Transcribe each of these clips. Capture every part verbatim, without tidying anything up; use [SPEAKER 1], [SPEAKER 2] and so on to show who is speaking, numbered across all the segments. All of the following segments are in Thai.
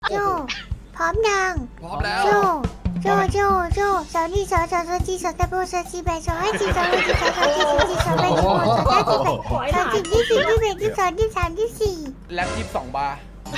[SPEAKER 1] โจพร้อมยัง
[SPEAKER 2] พร้อมแล้ว
[SPEAKER 1] โจโจโจโจสาวนี่สาวสาวสาวจีสาวตะโบสาวจีแบสาวให้จีสาวให้จีสาวสาวจีสาวจีสาวแบสาวสาวจีแบสาวจีที่สี่ที่แบที่สองที่สามที่สี่
[SPEAKER 2] แล็บยี่สิบสองบาร์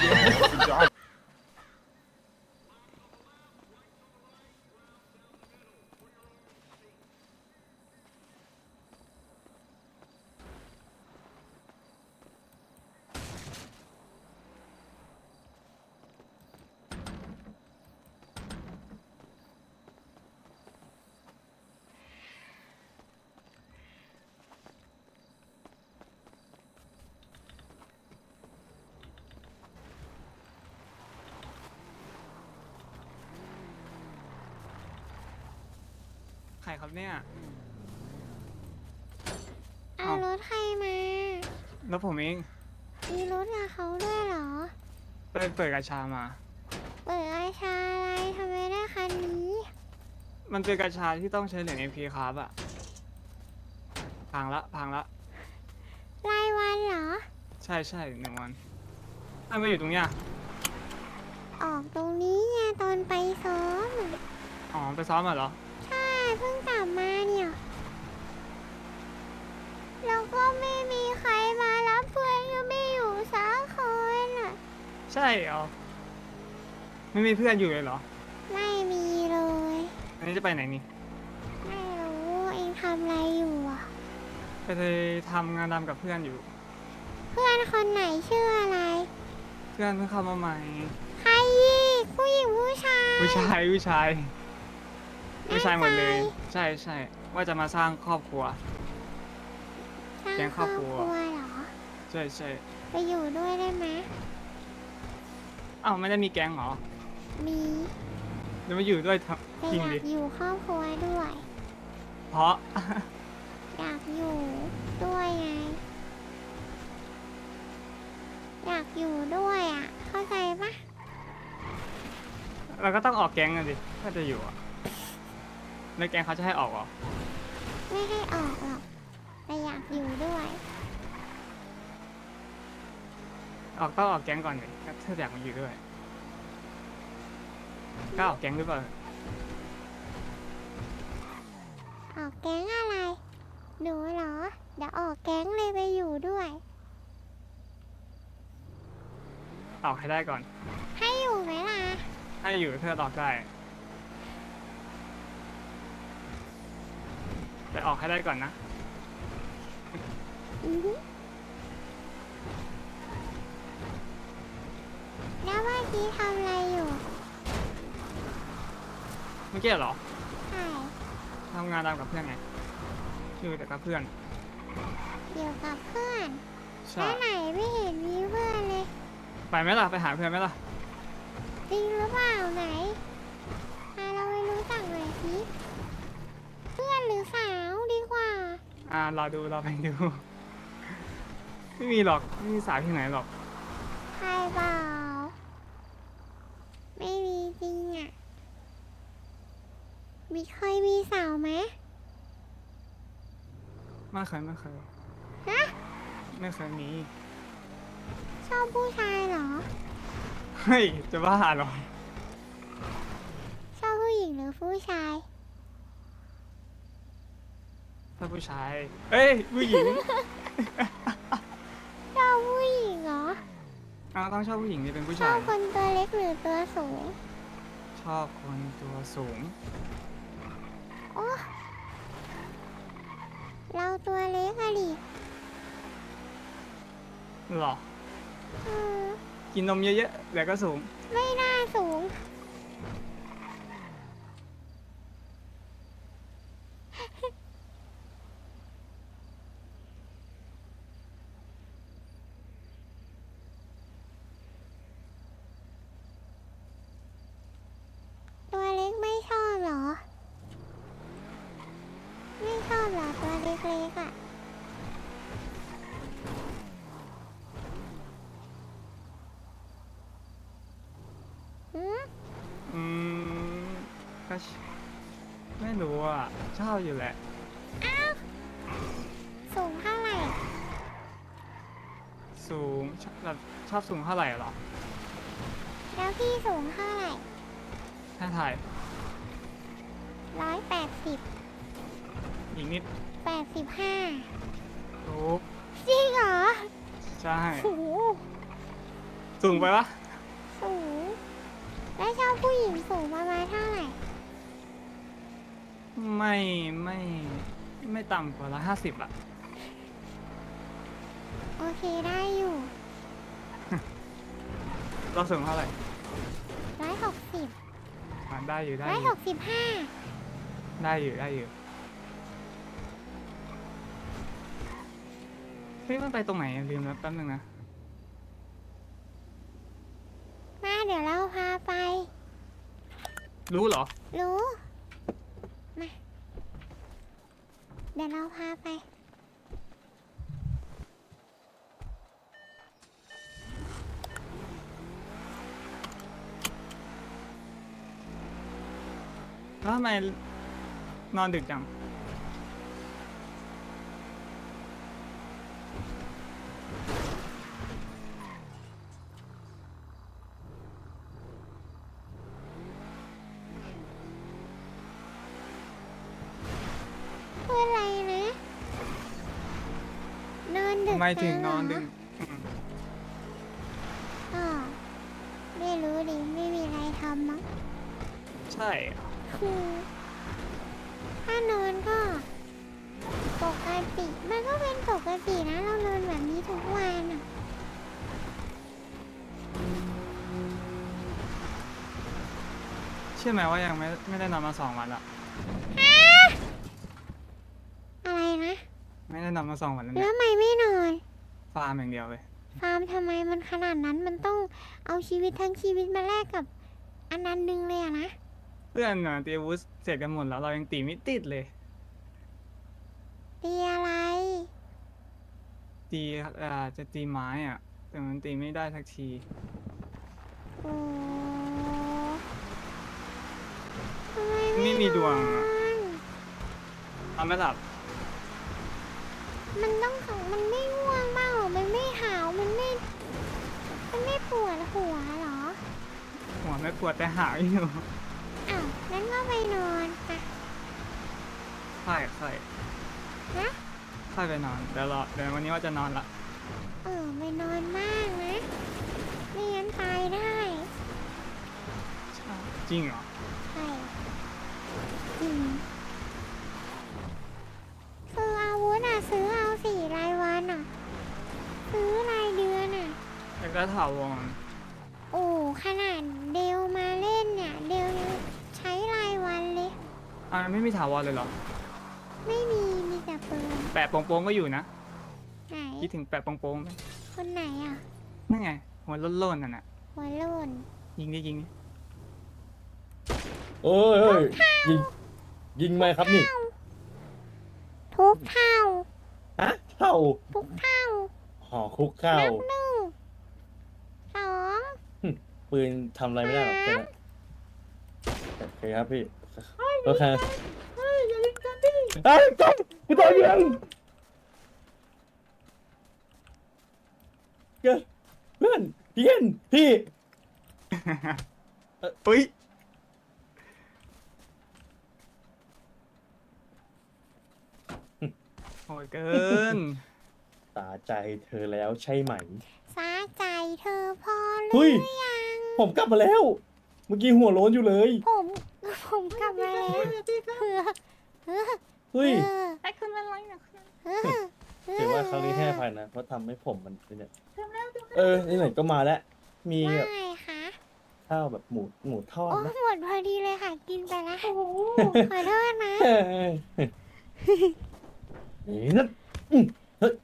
[SPEAKER 3] ใครครับเนี่ย
[SPEAKER 1] เอารถใครมา
[SPEAKER 3] แล้วผมเอง
[SPEAKER 1] มีรถกับเขาด้วยเหรอ
[SPEAKER 3] เปิดเปิดกระชามา
[SPEAKER 1] เปิดอาชาอะไรทำไมได้คันนี้
[SPEAKER 3] มันเป็นกระชาที่ต้องใช้เหรียญ เอ็ม พี ครับอะพังละพังละ
[SPEAKER 1] รายวันเหรอ
[SPEAKER 3] ใช่ใช่หนึ่งวันถ้ามาอยู่ตรงเนี้ย
[SPEAKER 1] ออกตรงนี้ไงตอนไปซ้อม
[SPEAKER 3] อ๋อไปซ้อมมาเหรอ
[SPEAKER 1] ใช่เพิ่งกลับมาเนี่ยแล้วก็ไม่มีใครมารับเพื่อนก็ไม่อยู่สักคนอ่ะ
[SPEAKER 3] ใช่เหรอ ไม่มีเพื่อนอยู่เลยเหรอ
[SPEAKER 1] ไม่มีเลย
[SPEAKER 3] อันนี้จะไปไหนนี่
[SPEAKER 1] ไม่รู้เองทำอะไรอยู่อ่ะ
[SPEAKER 3] ไปทำงานดำกับเพื่อนอยู่
[SPEAKER 1] เพื่อนคนไหนชื่ออะไร
[SPEAKER 3] เพื่อนเพิ่งเข้ามาใหม่
[SPEAKER 1] ใครอีกผู้หญิงผู้ชาย
[SPEAKER 3] ผู้ชายผู้ชายผู้ชายหมดเลย
[SPEAKER 1] แน่ใจ
[SPEAKER 3] ใช่ใช่ว่าจะมาสร้างครอบครัว
[SPEAKER 1] สร้าง
[SPEAKER 3] แก๊ง
[SPEAKER 1] ค
[SPEAKER 3] ค
[SPEAKER 1] ร
[SPEAKER 3] ร
[SPEAKER 1] อ
[SPEAKER 3] อ
[SPEAKER 1] บบ ค
[SPEAKER 3] ครั
[SPEAKER 1] รัว
[SPEAKER 3] ว
[SPEAKER 1] เหรอ
[SPEAKER 3] ใช่ใช่
[SPEAKER 1] ไปอยู่ด้วยได้ไหม
[SPEAKER 3] อ้าวไม่ได้มีแก๊งเหรอ
[SPEAKER 1] มี
[SPEAKER 3] จะมาอยู่ด้วยท
[SPEAKER 1] แต่
[SPEAKER 3] ำจริง
[SPEAKER 1] อยา
[SPEAKER 3] ดิ
[SPEAKER 1] กอยู่ครอบครัวด้วย
[SPEAKER 3] เพราะ
[SPEAKER 1] อยากอยู่ด้วยไง อยากอยู่ด้วยอ่ะ เข้าใจปะ
[SPEAKER 3] เราก็ต้องออกแก๊งกันดิถ้าจะอยู่อะแล้วแก๊งเขาจะให้ออกเหรอ
[SPEAKER 1] ไม่ให้ออกหรอก แต่อยากอยู่ด้วย
[SPEAKER 3] ออกต้องออกแก๊งก่อนดิถ้าอยากมาอยู่ด้วยก็ออกแก๊งหรือเปล่า
[SPEAKER 1] ออกแก๊งอะไร หนูเหรอ เดี๋ยวออกแก๊งเลยไปอยู่ด้วย
[SPEAKER 3] ออกให้ได้ก่อน
[SPEAKER 1] ให้อยู่ไหมล่ะ
[SPEAKER 3] ถ้าอยู่เพื่อออกได้ แต่ออกให้ได้ก่อนนะ
[SPEAKER 1] อือฮึแล้วเมื่อกี้ทำอะไรอยู่
[SPEAKER 3] เมื่อกี้เหรอ
[SPEAKER 1] ใช่
[SPEAKER 3] ทำงานตามกับเพื่อนไงอยู่แต่กับเพื่อน
[SPEAKER 1] อยู่กับเพื่อน
[SPEAKER 3] ใช่
[SPEAKER 1] แล้วไหนไม่เห็นมีเพื่อนเลย
[SPEAKER 3] ไปไหมล่ะ ไปหาเพื่อนไหมล่ะ
[SPEAKER 1] จริงหรือเปล่าไหนพาเราไปรู้จักหน่อยสิเพื่อนหรือสาวดีกว่า
[SPEAKER 3] อ่ารอดูรอไปดู ไม่มีหรอก ไม่มีสาวที่ไหนหรอก
[SPEAKER 1] ใครเปล่า ไม่มีจริงอ่ะ มีเคยมีสาวไหม
[SPEAKER 3] ไม่เคยไม่เคย
[SPEAKER 1] ฮะ
[SPEAKER 3] ไม่เคยมี
[SPEAKER 1] ชอบผู้ชายเหรอ
[SPEAKER 3] เฮ้ย จะบ้าเหรอ
[SPEAKER 1] ชอบผู้หญิงหรือผู้ชาย
[SPEAKER 3] ถ้าผู้ชาย เอ้ย ผู้หญิง
[SPEAKER 1] ชอบผู้หญิงเหรอ
[SPEAKER 3] อ้าวต้องชอบผู้หญิงที่เป็นผู้
[SPEAKER 1] ชอ
[SPEAKER 3] ชา
[SPEAKER 1] บ
[SPEAKER 3] ย
[SPEAKER 1] คนตัวเล็กหรือตัวสูง
[SPEAKER 3] ชอบคนตัวสูง
[SPEAKER 1] โอ้เราตัวเล็กอะดิ
[SPEAKER 3] หรอ
[SPEAKER 1] เออ
[SPEAKER 3] กินนมเยอะๆแต่ก็สูง
[SPEAKER 1] ไม่น่าสูง ตัวเล็กไม่ชอบเหรอ ไม่ชอบเหรอตัวเล็กๆอ่ะ หืม
[SPEAKER 3] อืมก็ชไม่รู้อ่ะ ชอบอยู่แหละ
[SPEAKER 1] อ้าว สูงเท่าไหร่
[SPEAKER 3] สูงชอบแบบชอบสูงเท่าไหร่เหรอ
[SPEAKER 1] อแล้วพี่สูงเท่าไหร่
[SPEAKER 3] ถ้าถ่าย
[SPEAKER 1] ร้อยแปดสิบ
[SPEAKER 3] อีกนิด
[SPEAKER 1] แปดสิบห้า
[SPEAKER 3] ถูก
[SPEAKER 1] จริงเหรอ
[SPEAKER 3] ใช่
[SPEAKER 1] โอ้โห
[SPEAKER 3] สูงไปปะ
[SPEAKER 1] สูง แล้วชอบผู้หญิงสูงประมาณเท่าไหร่
[SPEAKER 3] ไม่ไม่ไม่ต่ำกว่าละห้าสิบอะ
[SPEAKER 1] โอเคได้อยู่
[SPEAKER 3] เราสูงเท่าไหร่
[SPEAKER 1] ร้อยหกสิบ
[SPEAKER 3] อ่ะได้อยู่ได้
[SPEAKER 1] ร้อ
[SPEAKER 3] อย
[SPEAKER 1] ห
[SPEAKER 3] ยู่
[SPEAKER 1] กสิบห้า
[SPEAKER 3] ได้อยู่ได้อยู่เฮ้ยมันไปตรงไหนอะลืมแล้วแป๊บนึงนะ
[SPEAKER 1] มาเดี๋ยวเราพาไป
[SPEAKER 3] รู้เหรอ
[SPEAKER 1] รู้ มา เดี๋ยวเราพาไป
[SPEAKER 3] แล้วทำไมนอนดึกจัง
[SPEAKER 1] คืออะไรนะ นอนดึก
[SPEAKER 3] ทำไมถึง
[SPEAKER 1] จั
[SPEAKER 3] นอน
[SPEAKER 1] เหร
[SPEAKER 3] ดึกอืม
[SPEAKER 1] ก็ไม่รู้ดิ ไม่มีอะไรทำมั้ง
[SPEAKER 3] ใช่
[SPEAKER 1] คือถ้านอนก็ปกติ มันก็เป็นปกตินะ เรานอนแบบนี้ทุกวันอะ
[SPEAKER 3] เชื่อไหมว่ายังไม่ไม่ได้นอนมาสองวันละ
[SPEAKER 1] อะไรนะ
[SPEAKER 3] ไม่ได้นอนมาสองวันแล้ว
[SPEAKER 1] แล้
[SPEAKER 3] เนี่
[SPEAKER 1] วย ทำไมไม่นอน
[SPEAKER 3] ฟาร์มอย่างเดียวเลย
[SPEAKER 1] ฟาร์มทำไมมันขนาดนั้น มันต้องเอาชีวิตทั้งชีวิตมาแลกกับอันนั้นหนึงเลยอะนะ
[SPEAKER 3] เพื่อนน่ะตีอาวุธเสร็จกันหมดแล้วเรายังตีไม่ติดเลย
[SPEAKER 1] ตีอะไร
[SPEAKER 3] ตีเอ่อจะตีไม้อ่ะ แต่มันตีไม่ได้สักที
[SPEAKER 1] โอ้ทำไม
[SPEAKER 3] ไม่มีดวง
[SPEAKER 1] น
[SPEAKER 3] อะ
[SPEAKER 1] อน
[SPEAKER 3] นอนไม่หลับ
[SPEAKER 1] มันต้องของมันไม่ง่วงบ้างเหรอ มันไม่หาว มันไม่ มันไม่ปวดหัวเหรอ
[SPEAKER 3] หัวไม่ปวดแต่หาวอยู่
[SPEAKER 1] อ้าวงั้นก็ไปนอนอะ
[SPEAKER 3] ค่อยค่อย
[SPEAKER 1] ฮะ
[SPEAKER 3] ค่อยไปนอน เดี๋ยวรอเดี๋ยววันนี้ว่าจะนอนละ
[SPEAKER 1] เออไปนอนมากนะ ไม่งั้นตายได้
[SPEAKER 3] จริงเหรอ
[SPEAKER 1] ใช่จริงคืออาวุธอะซื้อเอาสี่รายวันอะซื้อรายเดือนอะ
[SPEAKER 3] แล้วก็ถาวร
[SPEAKER 1] โอ้ขนาดเดลมาเล่นเนี่ย เดลยังใช้รายวันเลย
[SPEAKER 3] อ่าไม่มีถาวรเลยเหรอ
[SPEAKER 1] ไม่มี มีแต่ปืน
[SPEAKER 3] แปะโปงๆก็อยู่นะ
[SPEAKER 1] ไหน
[SPEAKER 3] คิดถึงแปะโปงๆไหม
[SPEAKER 1] คนไหนอะ
[SPEAKER 3] นั่นไง หัวโล้นๆนั่นน่ะ
[SPEAKER 1] หัวโล่น
[SPEAKER 3] ยิงดิยิงดิ
[SPEAKER 2] เอ้ยเอ้ยยิงยิงไหมครับนี่
[SPEAKER 1] ทุกเท่า
[SPEAKER 2] ฮะเท่า
[SPEAKER 1] ทุกเท่า
[SPEAKER 2] ห่อคุกข้าว
[SPEAKER 1] นับหนึ่งสอง
[SPEAKER 2] ปืนทำอะไรไม่ได้หรอกแค่นั้นโอเคครับพี่โอเคเฮ้ยอย่ายิงกันดิเฮ้ยจบกูโดนยิงเกิดเพื่อนพี่เห็นพี่
[SPEAKER 3] อุ้ยโหดเกิน
[SPEAKER 2] ตาใจเธอแล้วใช่ไหม
[SPEAKER 1] สาใจเธอพอห
[SPEAKER 2] เฮ้
[SPEAKER 1] รื
[SPEAKER 2] ย
[SPEAKER 1] อยัง
[SPEAKER 2] ผมกลับมาแล้ว เมื่อกี้หัวโล้นอยู่เลย
[SPEAKER 1] ผม ผมกลับมาแล้วเออเออ
[SPEAKER 2] เฮ้ย
[SPEAKER 3] ไอ้คุณเป็นไรนะคุณ
[SPEAKER 1] เออเออ
[SPEAKER 2] ถือว่าครั้งนี้ให้อภัยนะเพราะทำให้ผมมันเนี่ยเออนี่ไหนก็มาแล้ว มี
[SPEAKER 1] ว่า
[SPEAKER 2] แบบ
[SPEAKER 1] ไงคะ
[SPEAKER 2] ข้าวแบบหมูหมูทอด
[SPEAKER 1] โอ้
[SPEAKER 2] นะ
[SPEAKER 1] หมดพอดีเลยค่ะ กินไปแล้วขอโทษนะ
[SPEAKER 2] เฮ้ยนี่นั่นอืมเฮ้ย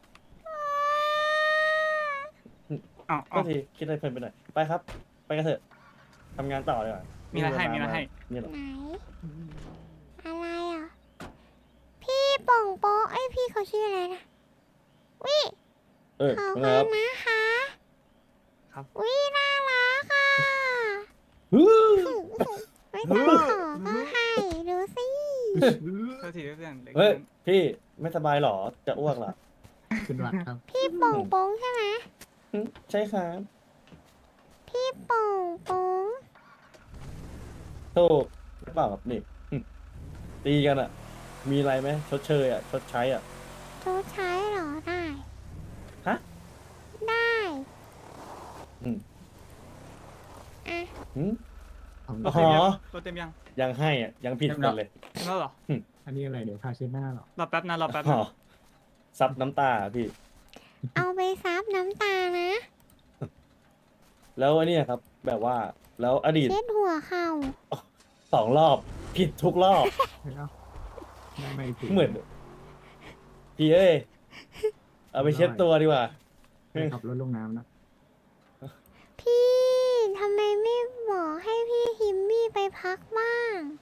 [SPEAKER 3] อ๋อ
[SPEAKER 2] ก็ทีคิดอะไรเพลินไปหน่อยไปครับ ไปกันเถอะทำงานต่อเลย
[SPEAKER 3] มีอะไรให้มีอะไรให้
[SPEAKER 2] นี่เหรอ
[SPEAKER 1] ไหน อะไรอ่ะ พี่ป่องโป๊ะไอยพี่เขาชื่ออะไรนะวิ
[SPEAKER 2] เออ
[SPEAKER 1] ขอบ
[SPEAKER 2] เป็น
[SPEAKER 1] คุ
[SPEAKER 2] ไงครับ
[SPEAKER 1] ณนะคะ
[SPEAKER 3] ครับ
[SPEAKER 1] วิน่ารักค่ะ
[SPEAKER 2] ฮึ่ม
[SPEAKER 1] ไม่ต้องขอก็ให้ดูสิ
[SPEAKER 3] เท่าทีเพื่อนเด็ก
[SPEAKER 2] เฮ้ยพี่ไม่สบายเหรอจะอ้วกเหรอ
[SPEAKER 4] คุณวัดครับ
[SPEAKER 1] พี่ป่องโป้งใช่ไหม
[SPEAKER 2] หึใช่ครับ
[SPEAKER 1] พพี่โป่งโป่ง
[SPEAKER 2] โทษหรือเปล่าครับนี่หึตีกันอ่ะ มีอะไรไหมชดเชยอ่ะ ชดใช้อ่ะ
[SPEAKER 1] ชดใช้เหรอได้
[SPEAKER 2] ฮะ
[SPEAKER 1] ได้
[SPEAKER 2] อืม
[SPEAKER 1] อ่ะ
[SPEAKER 2] หืม
[SPEAKER 3] ร
[SPEAKER 2] อ๋
[SPEAKER 3] ถเต็มยัง
[SPEAKER 2] อ
[SPEAKER 3] รถเต็มยัง
[SPEAKER 2] ยังให้อ่ะ ยังผิดกันเลย
[SPEAKER 3] เต็มแล้วเหรอ
[SPEAKER 4] อันนี้อะไรเดี๋ยวพาเช็ดหน้าเหรอ
[SPEAKER 3] รอแป๊บนะรอแป๊บ
[SPEAKER 2] อ๋
[SPEAKER 3] นะ
[SPEAKER 2] อซับน้ำตาอะพี่
[SPEAKER 1] เอาไปซับน้ำตานะ
[SPEAKER 2] แล้วอันเนี้ยครับ แบบว่า แล้วอดีต
[SPEAKER 1] เช็ดหัวเข่า
[SPEAKER 2] สองรอบ ผิดทุกรอบ
[SPEAKER 4] ไม่เอาไม่ไม่ผิด
[SPEAKER 2] เหมือน พี่เอ้ย เอาไปเช็ดตัวดีกว่า
[SPEAKER 4] ไปขับรถลงน้ำนะ
[SPEAKER 1] พี่ทำไมไม่บอกให้พี่ฮิมมี่ไปพักบ้าง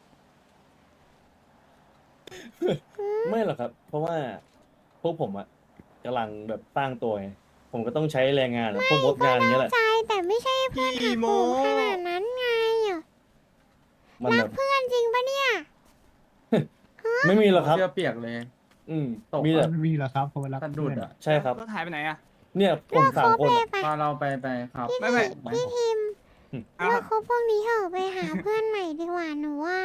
[SPEAKER 2] ไม่หรอกครับ เพราะว่าพวกผมอะกำลังแบบตั้งตัวไงผมก็ต้องใช้แรงงานอะพวกมดงานอย่างเงี้ยแหละ
[SPEAKER 1] ใจแต่ไม่ใช่เพื่อนหักโหมขนาดนั้นไงอ่ะ
[SPEAKER 2] มัน
[SPEAKER 1] รั
[SPEAKER 2] แบ
[SPEAKER 1] ก
[SPEAKER 2] บ
[SPEAKER 1] เพื่อนจริงปะเนี่ย
[SPEAKER 2] ไม่มีหรอกครับ
[SPEAKER 5] เสื้อเปียกเลย
[SPEAKER 2] อืม
[SPEAKER 5] ตก
[SPEAKER 2] มีแต่
[SPEAKER 4] มันมีเหรอครับเพราะเวลา
[SPEAKER 5] สะดุดอ่ะ
[SPEAKER 2] ใช่ครับ
[SPEAKER 3] รถหายไปไหนอะ
[SPEAKER 2] เนี่ยผมสามคน
[SPEAKER 1] เลิ
[SPEAKER 2] อะ
[SPEAKER 1] กคบเลยปะ
[SPEAKER 5] พาเราไปไปครับ
[SPEAKER 3] ไม่ไม่
[SPEAKER 1] พี่ทีม
[SPEAKER 3] อ่ะ
[SPEAKER 1] เลิกคบพวกนี้เถอะไปหาเพื่อนใหม่ดีกว่าหนูว่า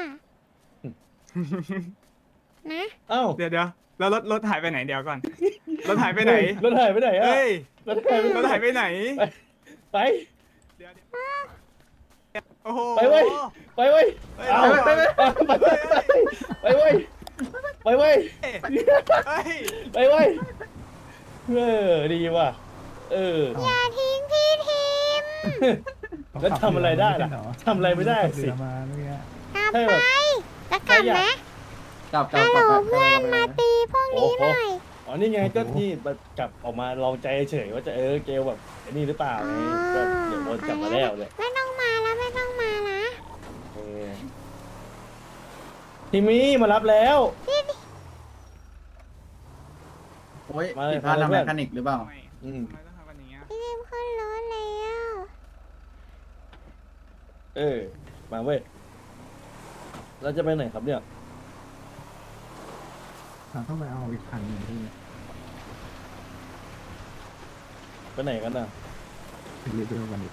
[SPEAKER 1] นะ
[SPEAKER 2] เอ้า
[SPEAKER 3] เดี๋ยวเดี๋ยวแล้วรถรถหายไปไหนเดี๋ยวก่อน รถหายไปไหน
[SPEAKER 2] รถหายไปไหนอะ
[SPEAKER 3] เฮ้ย
[SPEAKER 2] รถหายไป
[SPEAKER 3] รถหายไปไหน
[SPEAKER 2] ไป
[SPEAKER 3] เดี๋ยวเดี๋ยวโอ้โห
[SPEAKER 2] ไปเว้ย ไปเว้ย
[SPEAKER 3] เฮ้ย
[SPEAKER 2] เอา
[SPEAKER 3] ไปไปไป
[SPEAKER 2] ไปไปไปเว้ยไปเว้ย
[SPEAKER 3] เฮ้ย
[SPEAKER 2] ไปเว้ยเออดีว่ะเออ
[SPEAKER 1] อย่าทิ้งพี่ทีม
[SPEAKER 2] แล้วทำอะไรได้ล่ะทำอะไรไม่ได้สิ
[SPEAKER 4] เรือมาเมื่อกี้
[SPEAKER 1] กลับ
[SPEAKER 2] ใช่
[SPEAKER 1] ไป
[SPEAKER 2] แบบ
[SPEAKER 1] จะกลับไหม
[SPEAKER 5] กลับกลั
[SPEAKER 1] ฮั
[SPEAKER 5] บ
[SPEAKER 1] ลโหล
[SPEAKER 5] กลับ
[SPEAKER 1] เพื่อนมาตีพวกนี้หน่อย
[SPEAKER 2] อ๋อนี่ไงก็นี่แบบกลับออกมาลองใจเฉยว่าจะเออเกลแบบไอ้นี่หรือเปล่าไงก็เดี๋ยวโดนจับมาแล้วเลย
[SPEAKER 1] ไม่ต้องมาแล้วไม่ต้องมานะ
[SPEAKER 2] เออทีมี่มารับแล้ว
[SPEAKER 5] โอ้ย
[SPEAKER 2] มาเลย
[SPEAKER 5] ผิดพลาด
[SPEAKER 2] มาเลย
[SPEAKER 5] ทาง
[SPEAKER 2] เพื่
[SPEAKER 5] แม
[SPEAKER 2] อน
[SPEAKER 5] คานิกหรือเปล่า
[SPEAKER 3] ทำไม
[SPEAKER 2] อืม
[SPEAKER 3] ทำไมต้องทำกันอย่างเงี้ย
[SPEAKER 1] พี่ทีมขึ้นรถแล้ว
[SPEAKER 2] เออมาเว้ยเราจะไปไหนครับเนี่ย
[SPEAKER 4] เราต้องไปเอาอีกคันหนึ่งที่
[SPEAKER 2] ไปไหนกันน่ะ
[SPEAKER 4] เป็นเรือเดียวกันอีก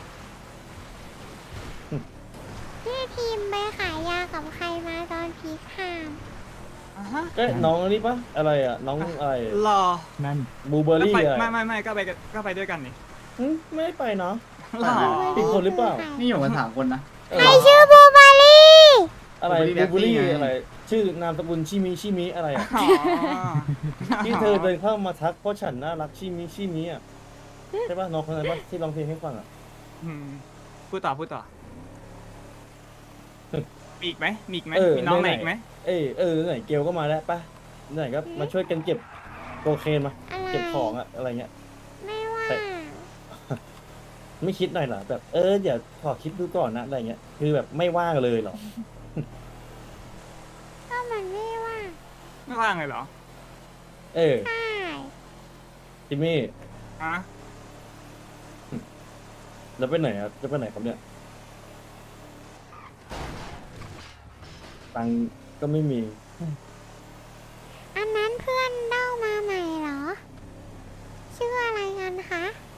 [SPEAKER 1] พี่ทีมไปขายยากับใครมาตอนพีคาม
[SPEAKER 3] อ่ะฮะ
[SPEAKER 2] เอ้ยน้องอันนี้ปะอะไรอ่ะน้องอะไร
[SPEAKER 3] รอ
[SPEAKER 4] นั่น
[SPEAKER 2] บลูเบอร์
[SPEAKER 3] แล้ว
[SPEAKER 2] รี่
[SPEAKER 3] ไป
[SPEAKER 2] อะไร
[SPEAKER 3] ไม่ไม่ไม่ก็ไปกันก็ไปด้วยกันนี่
[SPEAKER 2] หึไม่ได้ไปเนาะ
[SPEAKER 3] หรอ
[SPEAKER 2] ผิดคนหรือเปล่า
[SPEAKER 5] นี่อยู่กันสามคนนะ
[SPEAKER 2] เออ
[SPEAKER 1] ใครชื่อบูบารี่
[SPEAKER 2] อะไร
[SPEAKER 5] Blueberry
[SPEAKER 2] บลูเบอร์รี่
[SPEAKER 5] Black Tea ไง
[SPEAKER 2] อะไร ชื่อนามสกุลชิมิชิมิอะไรอ่ะ
[SPEAKER 3] อ๋อ
[SPEAKER 2] ที่เธอเดินเข้ามาทักเพราะฉันน่ารักชิมิชิมิอ่ะใช่ปะน้องคนนั้นปะที่ร้องเพลงให้ฟังอ่ะ
[SPEAKER 3] อืมพูดต่อพูดต่อมีอีกไหมมีอีกไหม
[SPEAKER 2] เออ
[SPEAKER 3] มีน้องไหน
[SPEAKER 2] ไหนๆ
[SPEAKER 3] อีกไหม
[SPEAKER 2] เอ้ยเออไหนเกลก็มาแล้วปะไหนก็มาช่วยกันเก็บโคเคนมา
[SPEAKER 1] อะไร
[SPEAKER 2] เก็บของอะอะไรเงี้ย
[SPEAKER 1] ไม่ว่า
[SPEAKER 2] แต่ ไม่คิดหน่อยเหรอแบบเออเดี๋ยวขอคิดดูก่อนนะอะไรเงี้ยคือแบบไม่ว่างเลยเหรอ
[SPEAKER 1] ก็มันไม่ว่า
[SPEAKER 3] ไม่ว่างเลยเหรอ
[SPEAKER 2] เออ
[SPEAKER 1] ใช่
[SPEAKER 2] จิมมี่
[SPEAKER 3] อ่ะ
[SPEAKER 2] แล้วไปไหนอ่ะจะไปไหนครับเนี่ยตังค์ก็ไม่มี
[SPEAKER 1] อันนั้นเพื่อนเล่ามาใหม่เหรอ ชื่ออะไรกันคะ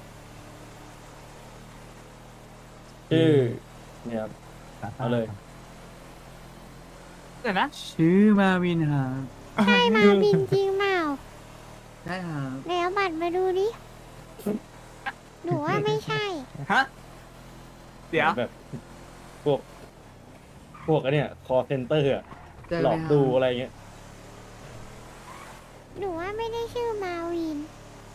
[SPEAKER 2] ชื่อเนี่ยครับ
[SPEAKER 4] ตาตา
[SPEAKER 2] เอาเลย
[SPEAKER 3] เดี๋ยวนะ
[SPEAKER 5] ชื่อมาวินครับ
[SPEAKER 1] ใช่มาบินจริงเปล่า
[SPEAKER 5] ใช่ครับ
[SPEAKER 1] เดี๋ยวบัตรมาดูดิหนูว่าไม่ใช่
[SPEAKER 3] ฮะเดี๋ยว
[SPEAKER 2] แบบพวก พวกอันเนี้ยคอเซ็นเตอร์อะ
[SPEAKER 5] เจอ
[SPEAKER 2] หล
[SPEAKER 5] ไม
[SPEAKER 2] อก
[SPEAKER 5] ครับ
[SPEAKER 2] ดูอะไรเงี้ย
[SPEAKER 1] หนูว่าไม่ได้ชื่อมาวิน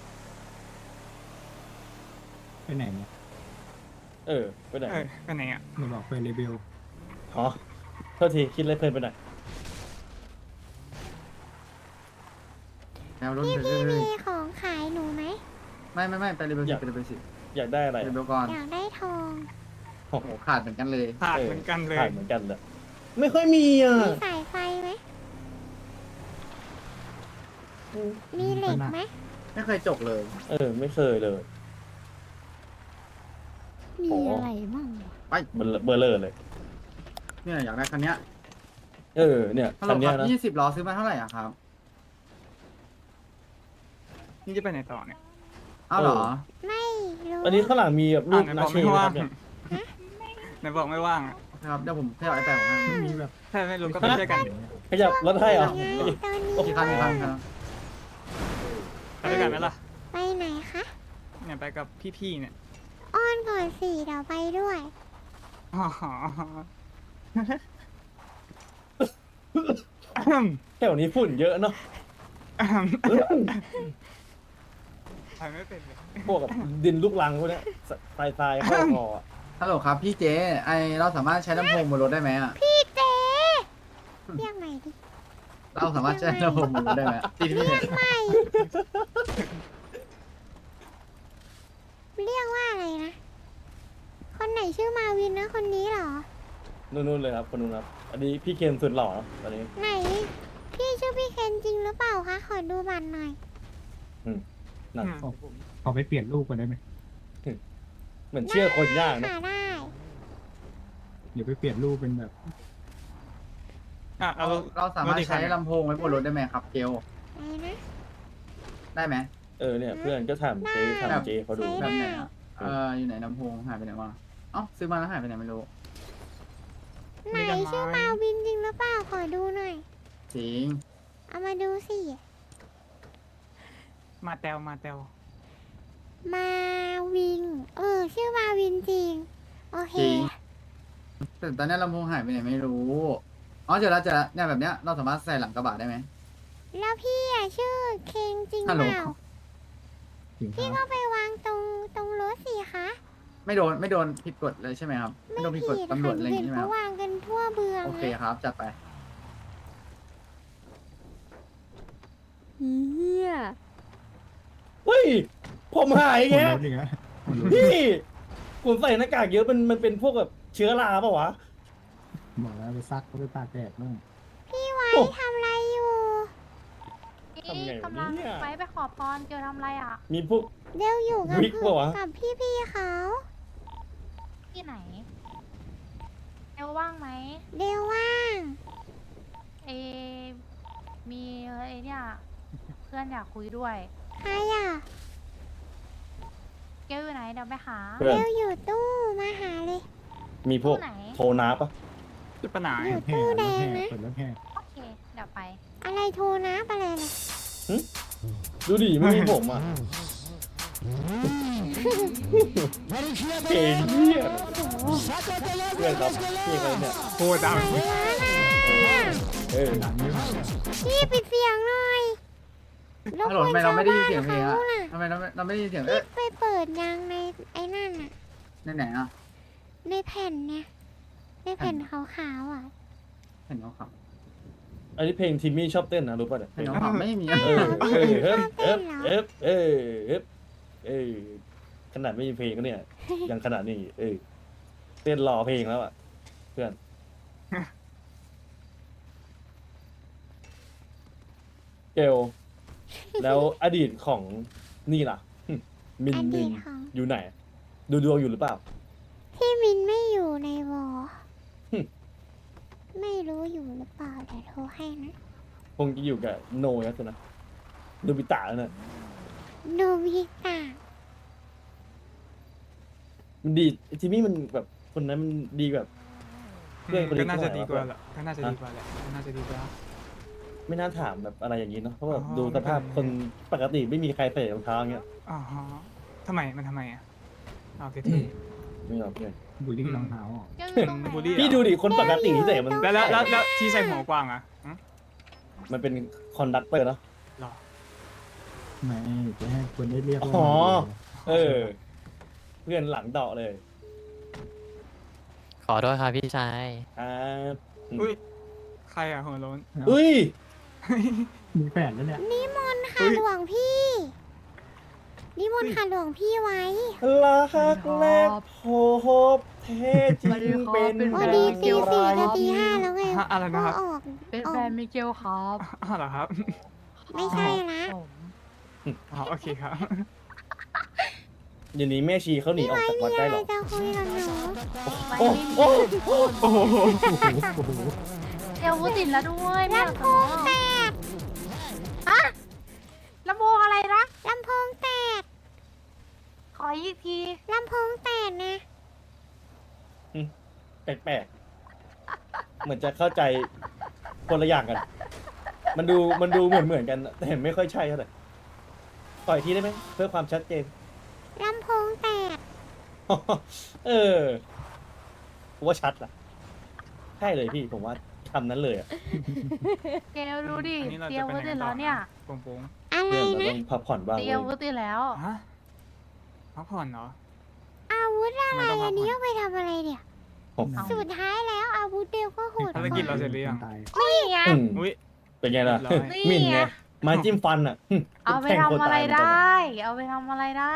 [SPEAKER 4] ไปไหนเนี่ย
[SPEAKER 2] เออไปไหน
[SPEAKER 3] เออไปไหนอ่ะ
[SPEAKER 4] เราบอกไปเรเบล
[SPEAKER 2] อ๋อโทษทีคิดอะไรเพลินไปหน่อย
[SPEAKER 5] แนวรุ่น
[SPEAKER 1] พี่
[SPEAKER 5] ไป
[SPEAKER 1] พี่
[SPEAKER 5] เรื่
[SPEAKER 1] มี
[SPEAKER 5] อย
[SPEAKER 1] ของขายหนูไหม
[SPEAKER 5] ๆไม่ไม่ไม่ไปเรเบลสิไปเรเบลสิ
[SPEAKER 2] อยากได้อะไร
[SPEAKER 5] เร
[SPEAKER 2] อะ
[SPEAKER 5] เบลก่อน
[SPEAKER 1] อยากได้ทอง
[SPEAKER 2] โอ้โห
[SPEAKER 5] โอ้ขาดเหมือนกันเลย
[SPEAKER 3] ขาดเหมือนกันเลย
[SPEAKER 2] ขาดเหมือนกันเลยไม่ค่อยมีอ่ะ
[SPEAKER 1] มีสายไฟไหม มีเหล็กไหม
[SPEAKER 5] ไม่เคยจกเลย
[SPEAKER 2] เออ ไม่เคยเลย
[SPEAKER 1] มีอะไรบ้าง
[SPEAKER 5] ไป
[SPEAKER 2] เบลอเบลอเลย
[SPEAKER 5] เนี่ยอยากได้คันเนี้ย
[SPEAKER 2] เออเนี่ย
[SPEAKER 5] ฮัลโหล
[SPEAKER 2] คัน
[SPEAKER 5] ค
[SPEAKER 2] เนี้ย
[SPEAKER 5] รับ
[SPEAKER 2] นะ
[SPEAKER 5] ยี่สิบล้อซื้อมาเท่าไหร่อะครับ
[SPEAKER 3] นี่จะไปไหนต่อเนี่ย
[SPEAKER 5] อ้าวเหรอ
[SPEAKER 1] ไม่รู้
[SPEAKER 2] อันนี้ข้างหลังมีแบบรู
[SPEAKER 3] อ่ะ
[SPEAKER 2] ป
[SPEAKER 3] ไหน
[SPEAKER 2] นา
[SPEAKER 3] บอก
[SPEAKER 2] เช
[SPEAKER 3] ไม่
[SPEAKER 2] นะค
[SPEAKER 3] ว่า
[SPEAKER 2] รั
[SPEAKER 3] ง
[SPEAKER 2] บเนี่ย
[SPEAKER 3] ไหนบอกไม่ว่างอะ
[SPEAKER 5] ครับเดี๋ยวผมให้เอาไอแปดผมให้
[SPEAKER 4] มีแบบ
[SPEAKER 3] ถ้าไม่รู้ก็ไปช่วยกัน
[SPEAKER 2] ขยับรถให้เหรอ
[SPEAKER 1] ไงตอนนี้
[SPEAKER 5] กี่คันกี่คันครับ
[SPEAKER 3] ไปด้วยกันไหมล่ะ
[SPEAKER 1] ไปไหนคะ
[SPEAKER 3] เนี่ยไปกับพี่ๆเนี่ย
[SPEAKER 1] อ้อนก่อนสิเดี๋ยวไปด้วย
[SPEAKER 3] อ๋อ
[SPEAKER 2] แถวนี้ฝุ่นเยอะเนาะ
[SPEAKER 3] ไปไม่เป็นเลย
[SPEAKER 2] พวกกับดินลูกรังพวกเนี้ยทรายทรายเข้าคออะ
[SPEAKER 5] ฮัลโหลครับพี่เจไอเราสามารถใช้ลำโพงบนรถได้ไหมอ่ะ
[SPEAKER 1] พี่เจ๊เรียกใหม่ดิ
[SPEAKER 5] เราสามารถใช้ลำโพงบนรถได้ไหมอะที่พี่เนี่ย
[SPEAKER 1] ใหม่เรียกว่าอะไรนะ คนไหนชื่อมาวินนะคนนี้เหรอ
[SPEAKER 2] นู่นๆเลยครับคนนู้นครับ อันนี้พี่เคนสุดหล่อเนอะตอนนี้
[SPEAKER 1] ไหน พี่ชื่อพี่เคนจริงหรือเปล่าคะ ขอดูบัตรหน่อย
[SPEAKER 2] นั่น
[SPEAKER 3] อืม
[SPEAKER 4] ขอไปเปลี่ยนรูปกันได้ไหม
[SPEAKER 2] เหมือนเชื่อคนยากเนอะ
[SPEAKER 1] ค่ะได้
[SPEAKER 4] เดี๋ยวไปเปลี่ยนรูปเป็นแบบ
[SPEAKER 3] อ่ะ
[SPEAKER 5] เรา
[SPEAKER 3] เรา
[SPEAKER 5] เราสามารถใช้ลำโพงไว้บนรถได้ไหมครับเกล
[SPEAKER 1] ไหนนะ
[SPEAKER 5] ได้ไหม
[SPEAKER 2] เออเนี่ยเพื่อนก็ถามเจ๊ถามเจ๊เขาดู
[SPEAKER 1] ใช้
[SPEAKER 5] แบบไหนอ่ะเอออยู่ไหนลำโพงหายไปไหนวะเอ้าซื้อมาแล้วหายไปไหนไม่รู้
[SPEAKER 1] ไหนชื่อมาวินจริงหรือเปล่า ขอดูหน่อย
[SPEAKER 5] จริง
[SPEAKER 1] เอามาดูสิ
[SPEAKER 3] มาแตวมาแตว
[SPEAKER 1] มาวิน เออ ชื่อมาวินจริง โอเค
[SPEAKER 5] จริง แต่ตอนนี้ลำโพงหายไปไหนไม่รู้อ๋อเจอแล้วเจอแล้วเนี่ยแบบเนี้ยเราสามารถใส่หลังกระบะได้ไหม
[SPEAKER 1] แล้วพี่อ่ะชื่อเคงจริง
[SPEAKER 5] ฮัล
[SPEAKER 1] เป
[SPEAKER 5] โหล
[SPEAKER 1] ล่า
[SPEAKER 4] ถึง
[SPEAKER 1] พี่
[SPEAKER 4] ครั
[SPEAKER 1] ก็
[SPEAKER 4] บ
[SPEAKER 1] ไปวางตรงตรงรถสิคะ
[SPEAKER 5] ไม่โดนไม่โดนผิดกฎเลยใช่ไหมครับ ไม่
[SPEAKER 1] ไม่
[SPEAKER 5] โดนผิดกฎ
[SPEAKER 1] ผิด
[SPEAKER 5] ตำรว
[SPEAKER 1] ค่ะ
[SPEAKER 5] จอะไรอ
[SPEAKER 1] เห็
[SPEAKER 5] ย่าง
[SPEAKER 1] น
[SPEAKER 5] งี้ใช่ไหมครับ
[SPEAKER 1] เขาวางกันทั่วเบือง
[SPEAKER 5] โอเค
[SPEAKER 1] นะครับ
[SPEAKER 5] จัดไป
[SPEAKER 1] เฮีย
[SPEAKER 2] เฮ้ย ผมหาย
[SPEAKER 4] หม
[SPEAKER 2] แก
[SPEAKER 4] ดรถอีกแล้วหมดรถ
[SPEAKER 2] พี่ผมใส่หน้ากากเยอะมันมันเป็นพวกแบบเชื้อราปะวะ
[SPEAKER 4] บอกแล้วไปซักก็ไปตากแดดนู่น
[SPEAKER 1] พี่ไว้
[SPEAKER 2] โอ้
[SPEAKER 1] ทำอะไรอยู่
[SPEAKER 2] ทำไงวะ
[SPEAKER 6] กำลัง
[SPEAKER 2] เนี่ย
[SPEAKER 6] ไปไปขอพรเกียวทำอะไรอ่ะ
[SPEAKER 2] มีพวก
[SPEAKER 1] เดี๋ยวอยู่กับ
[SPEAKER 2] วิกปะวะ
[SPEAKER 1] กับพี่พี่ๆเขา
[SPEAKER 6] ที่ไหนเอลว่างไหม
[SPEAKER 1] เดี๋ยวว่าง
[SPEAKER 6] เอ มีไอเนี่ยเพื่อนอยากคุยด้วย
[SPEAKER 1] ใครอ่ะ
[SPEAKER 6] เกลอยู่ไหนเดี๋ยวไปหา
[SPEAKER 2] เพื่อน
[SPEAKER 1] เดี๋ยวอยู่ตู้มาหาเลย
[SPEAKER 2] มีพวก
[SPEAKER 6] ตู้ไหน
[SPEAKER 2] โทนาปะ
[SPEAKER 3] จุดปัญหา
[SPEAKER 1] อยู่
[SPEAKER 4] แห่
[SPEAKER 1] ตู้
[SPEAKER 4] ร
[SPEAKER 1] แด
[SPEAKER 4] ถ
[SPEAKER 1] ง
[SPEAKER 4] แห่
[SPEAKER 1] นะ
[SPEAKER 4] เปิดรถแห่
[SPEAKER 6] โอเค เดี๋ยวไป
[SPEAKER 1] อะไรโทรนะอะไรเลย
[SPEAKER 2] ดูดิไม่มีผมอ่ะเก่งเนี่ยเพื่อนครับพี่เขาเนี่ย
[SPEAKER 3] โคตรดัง
[SPEAKER 1] ว้าน่ะ
[SPEAKER 2] เออ
[SPEAKER 4] ดังเยอะมากเลย
[SPEAKER 1] พี่ปิดเสียงหน่อย
[SPEAKER 5] ฮัลโหลทำไมเราไม่ได้ยินเสียงเพลง
[SPEAKER 1] เขา
[SPEAKER 5] อะ
[SPEAKER 1] น่ะ
[SPEAKER 5] ทำไมเราไม่เราไม่ได้ยินเสียง
[SPEAKER 1] พี่
[SPEAKER 5] เอ๊ะ
[SPEAKER 1] ไปเปิดยังในไอ้นั่นน่ะ
[SPEAKER 5] ในไหนอ่ะ
[SPEAKER 1] ในแผ่นเนี่ย ในแผ่นขาวๆอ่ะ
[SPEAKER 5] เห็นเขาขับ
[SPEAKER 2] อันนี้เพลงทิมมี่ชอบเต้นนะรู้ป่ะเนี่ย
[SPEAKER 5] เห็นเขาขับไม่มี
[SPEAKER 2] เออเออเฮ้ยเอ๊บเอ๊บเออเอ๊บเออขนาดไม่มีเพลงก็เนี่ยยังขนาดนี้เออเต้นรอเพลงแล้วอ่ะเพื่อนเกลแล้วอดีตของนี่ล่ะหึมิน
[SPEAKER 1] อ
[SPEAKER 2] มิ
[SPEAKER 1] ดี
[SPEAKER 2] น
[SPEAKER 1] ตของ
[SPEAKER 2] อยู่ไหน ดูดวงอยู่หรือเปล่า
[SPEAKER 1] พี่มินไม่อยู่ในวอ
[SPEAKER 2] หึ
[SPEAKER 1] ไม่รู้อยู่หรือเปล่าเดี๋ยวโทรให้นะ
[SPEAKER 2] คงจะอยู่กับโนยัสนะดูบิตะแล้วน่ะ
[SPEAKER 1] โนบิตะ
[SPEAKER 2] มันดีจิมมี่มันแบบคนนั้นมันดีแบบ เพื่อนคนนี้
[SPEAKER 3] ก็น่าจะ
[SPEAKER 2] เท่าไหร่
[SPEAKER 3] ดีกว่า
[SPEAKER 2] วะ
[SPEAKER 3] แหละก็น่าจะดีกว่าแหละก็น่าจะดีกว่า
[SPEAKER 2] ไม่น่าถามแบบอะไรอย่างนี้เนาะเพราะแบบ
[SPEAKER 3] อ๋อ
[SPEAKER 2] ดูสภาพ
[SPEAKER 3] ไม่เป็นไร
[SPEAKER 2] คนปกติไม่มีใครใส่รองเท้าอย่างเงี้ย
[SPEAKER 3] อ๋อฮะทำไมมันทำไมอ่ะเอาเท่
[SPEAKER 2] ไม่หรอกเพื่อน
[SPEAKER 4] บุหรี่รองเท้าอ่ะ
[SPEAKER 6] เกลอยู่ตรงไหน
[SPEAKER 3] บูลลี่
[SPEAKER 6] อะ
[SPEAKER 2] พี่ดูดิคนปกติที่ใส่มัน
[SPEAKER 3] ๆแล้วแล้วแล้วแล้วที่ใส่หัวกว้างอ่ะหึ
[SPEAKER 2] มันเป็นคอนดักเตอร์เนาะ
[SPEAKER 3] หรอ
[SPEAKER 4] ไม่จะให้คนได้เรียกว่า
[SPEAKER 2] อ๋อ เออ เพื่อนหลังเดาะเลย
[SPEAKER 7] ขอโทษครับพี่ชาย
[SPEAKER 2] ครับ
[SPEAKER 3] อุ้ยใครอ่ะหัวโล้น
[SPEAKER 2] อุ้ย
[SPEAKER 4] มีแฟนแล้วเนี่ย
[SPEAKER 1] นิมนต์ค่ะ
[SPEAKER 3] เฮ้ย
[SPEAKER 1] หลวงพี่ นิมนต์ค่ะหลวงพี่ไว้
[SPEAKER 2] รักแรกพบแท้จริงเป็น
[SPEAKER 1] โอ้
[SPEAKER 2] ดั
[SPEAKER 1] ดี
[SPEAKER 2] ง
[SPEAKER 1] ตีสี่
[SPEAKER 2] ไร
[SPEAKER 1] จะตีห้าแล้วไง
[SPEAKER 3] ฮะอะไรนะครับ
[SPEAKER 1] ก็ออก
[SPEAKER 6] เป็น
[SPEAKER 1] ออ
[SPEAKER 6] แฟ
[SPEAKER 1] ก
[SPEAKER 6] นมิเกลครับ
[SPEAKER 3] อ้าวเหรอครับ
[SPEAKER 1] ไม่ใช่ละ
[SPEAKER 6] ผม
[SPEAKER 3] อ๋อโอเคครับ
[SPEAKER 2] เดี๋ยวนี้แม่ชีเขาหนี
[SPEAKER 1] พี่
[SPEAKER 2] ออก
[SPEAKER 1] ไว้
[SPEAKER 2] จากวั
[SPEAKER 1] มี
[SPEAKER 2] ด
[SPEAKER 1] อะ
[SPEAKER 2] ได้
[SPEAKER 1] ไร
[SPEAKER 2] หรอ
[SPEAKER 1] จะคุยกับหนู
[SPEAKER 2] โอ้โอ้
[SPEAKER 3] โอ้โห
[SPEAKER 4] โอ้โห
[SPEAKER 6] เกลวุ้ติดแล้วด้วยไม่อยาก
[SPEAKER 1] ลำโพ
[SPEAKER 6] จะ
[SPEAKER 1] งแตก
[SPEAKER 6] ลำโพงอะไรนะ
[SPEAKER 1] ลำโพงแตก
[SPEAKER 6] ขอออีกที
[SPEAKER 1] ลำโพงแตกนะ
[SPEAKER 2] แปลกๆ เหมือนจะเข้าใจคนละอย่างกัน มันดูมันดูเหมือนเหมือนกันแต่เห็นไม่ค่อยใช่เท่าไหร่ต่อยทีได้ไหมเพื่อความชัดเจน
[SPEAKER 1] ลำโพงแตก
[SPEAKER 2] เออผมว่าชัดล่ะใช่เลยพี่ผมว่าคำนั้นเลยอะ
[SPEAKER 6] เกลดูดิ
[SPEAKER 3] อันนี้เรา
[SPEAKER 6] เตรี
[SPEAKER 3] จะ
[SPEAKER 6] ยม
[SPEAKER 3] ไป
[SPEAKER 6] วุ้
[SPEAKER 3] ไหน
[SPEAKER 6] ติ
[SPEAKER 3] กัน
[SPEAKER 6] แล้
[SPEAKER 3] ต่อ
[SPEAKER 6] วเนี่ย
[SPEAKER 3] ปุ้งปุ้ง
[SPEAKER 1] อะไร
[SPEAKER 2] เพื่อนเรา
[SPEAKER 1] นะ
[SPEAKER 2] ต้องพักผ่อนบ้าง
[SPEAKER 6] เตรี
[SPEAKER 2] เลย
[SPEAKER 6] มวุ้ติแล้ว
[SPEAKER 3] ฮะพักผ่อนเหรอ
[SPEAKER 1] อาวุธอะ
[SPEAKER 3] ทำ
[SPEAKER 1] ไร
[SPEAKER 3] ไมต้องพั
[SPEAKER 1] อั
[SPEAKER 3] ก
[SPEAKER 1] น
[SPEAKER 3] ผ่
[SPEAKER 1] นี้
[SPEAKER 3] อน
[SPEAKER 1] เอาไปทำอะไรเนี่ย
[SPEAKER 2] ผม
[SPEAKER 6] เอา
[SPEAKER 1] สุดท้ายแล้วอาวุธเดียวก็โหด
[SPEAKER 3] ภารกิจเราเสร็จหรือยัง
[SPEAKER 4] ตาย
[SPEAKER 1] นี่ไง
[SPEAKER 2] อืม
[SPEAKER 3] อุ้ย
[SPEAKER 2] เป็นไงล่ะ
[SPEAKER 3] เรียบร้อย
[SPEAKER 2] หมิ่นไง
[SPEAKER 6] นี่ไง
[SPEAKER 2] ไม้จิ้มฟันอ่ะ
[SPEAKER 6] เอาไป
[SPEAKER 2] แทง
[SPEAKER 6] ทำ
[SPEAKER 2] คน
[SPEAKER 6] อะไร
[SPEAKER 2] ตายเหมือน
[SPEAKER 6] ได
[SPEAKER 2] กันอะ
[SPEAKER 6] ้ เอาไปทำอะไรได้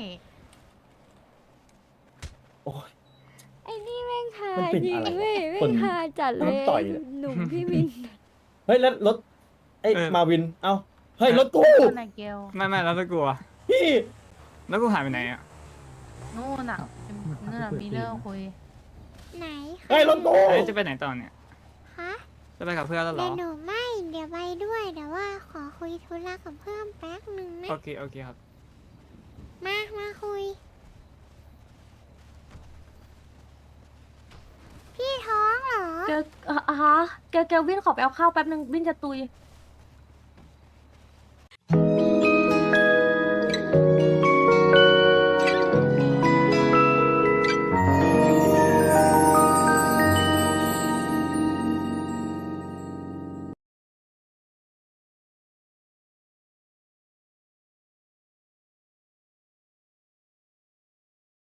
[SPEAKER 2] โอ้ย
[SPEAKER 7] ไอ้นี่แม่งหา
[SPEAKER 2] มันเป็น
[SPEAKER 7] จริง
[SPEAKER 2] อะไร
[SPEAKER 7] เว้ย
[SPEAKER 2] คน
[SPEAKER 7] แม่งหาจัดเล
[SPEAKER 2] มัน
[SPEAKER 7] ย
[SPEAKER 2] ต่อยเลย
[SPEAKER 7] หนุ่มพี่วิน
[SPEAKER 2] เฮ้ยแล้วรถไอ้
[SPEAKER 3] เออ
[SPEAKER 2] มาวิน เอ้าเฮ้ยรถกู
[SPEAKER 6] คนไหนเกล
[SPEAKER 3] ไม่ไม่แล้วตะกลัว
[SPEAKER 2] พี่
[SPEAKER 3] แล้วกูหายไปไหนอ่ะ
[SPEAKER 6] นู่นน่ะนู่นน่ะมีเรื่องคุย
[SPEAKER 1] ไหน
[SPEAKER 2] เฮ้ยรถกู
[SPEAKER 3] เอ้ยจะไปไหนต่อเนี่ย
[SPEAKER 1] คะ
[SPEAKER 3] จะไปกับเพื่อนแล้วเหร
[SPEAKER 1] เดี๋ย
[SPEAKER 3] อ
[SPEAKER 1] วหนูไม่ เดี๋ยวไปด้วยแต่ว่าขอคุยธุระกับเพื่อนแป๊บหนึ่งนะ
[SPEAKER 3] โอเค โอเคครับ
[SPEAKER 1] มา มาคุย พี่ท้องเหรอ
[SPEAKER 7] เกลอ่ะฮะเกลเกลวินขอไปเอาข้าวแป๊บนึงวินจะตุย